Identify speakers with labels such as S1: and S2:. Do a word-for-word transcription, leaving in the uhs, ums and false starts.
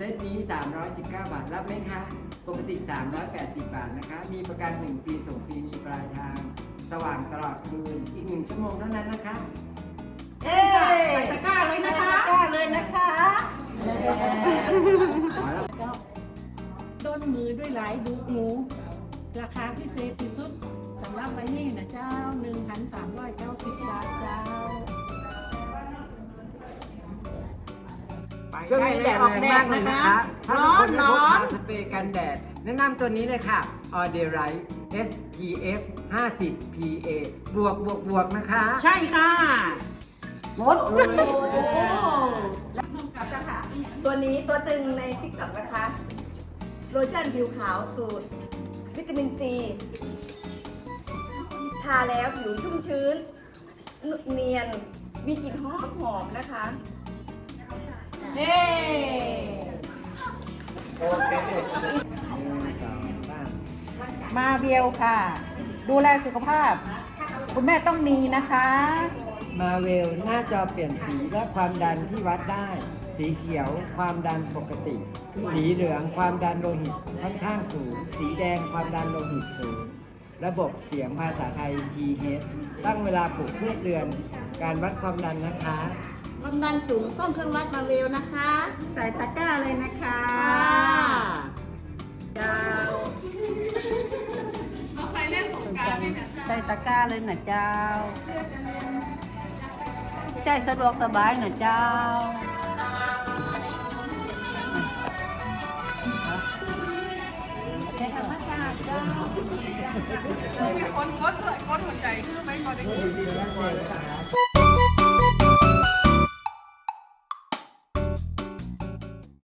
S1: ตนี้สามร้อยสิบเก้าบาทรับไหมคะปกติสามร้อยแปดสิบบาทนะคะมีประกันหนึ่งปีส่งฟรีมีปลายทางสว่างตลอดคืนอีกหนึ่งชั่วโมงเท่านั้นนะคะ
S2: เอ้ใส่ตะกร้าเลยนะคะตะกร้าเลยนะคะ
S3: ก็ต้นมือด้วยหลายดูหมูราคาพิเศษที่สุดสำหรับใบนี้นะเจ้า หนึ่งพันสามร้อยเก้าสิบ บาทเจ้า
S1: ช่วงนี้แดดแรงมากเลยนะคะถ้าทุกคนไม่พกสเปรย์กันแดดแนะนำตัวนี้เลยค่ะ Auderite เอส พี เอฟ ห้าสิบ พี เอ บวกบวกบวกนะคะ
S2: ใช่ค่ะหมดเลย
S4: ตัวนี้ตัวตึงในติ๊กต็อกนะคะโลชั่นผิวขาวสูตรวิตามินซีทาแล้วผิวชุ่มชื้นเนียนมีกลิ่นหอมหอมนะคะ
S2: เฮ้มาเบลค่ะดูแลสุขภาพคุณแม่ต้องมีนะคะ
S1: มาเวลหน้าจอเปลี่ยนสีและความดันที่วัดได้สีเขียวความดันปกติสีเหลืองความดันโลหิตค่อนข้างสูงสีแดงความดันโลหิตสูงระบบเสียงภาษาไทย ที เอช ตั้งเวลาปลุกเพื่อเตือนการวัดความดันนะคะ
S2: ความดันสูงต้องเครื่องวัดมาเวลนะคะใส่ตะกร้าเลยนะคะดาวใส่เล่นสงการเลยนะใส่ตะกร้าเลยนะเจ้าใจสะดวกสบายนะเจ้าธรรมชาติเจ้าคนกดเลยกดหัวใจคือไม่พอได้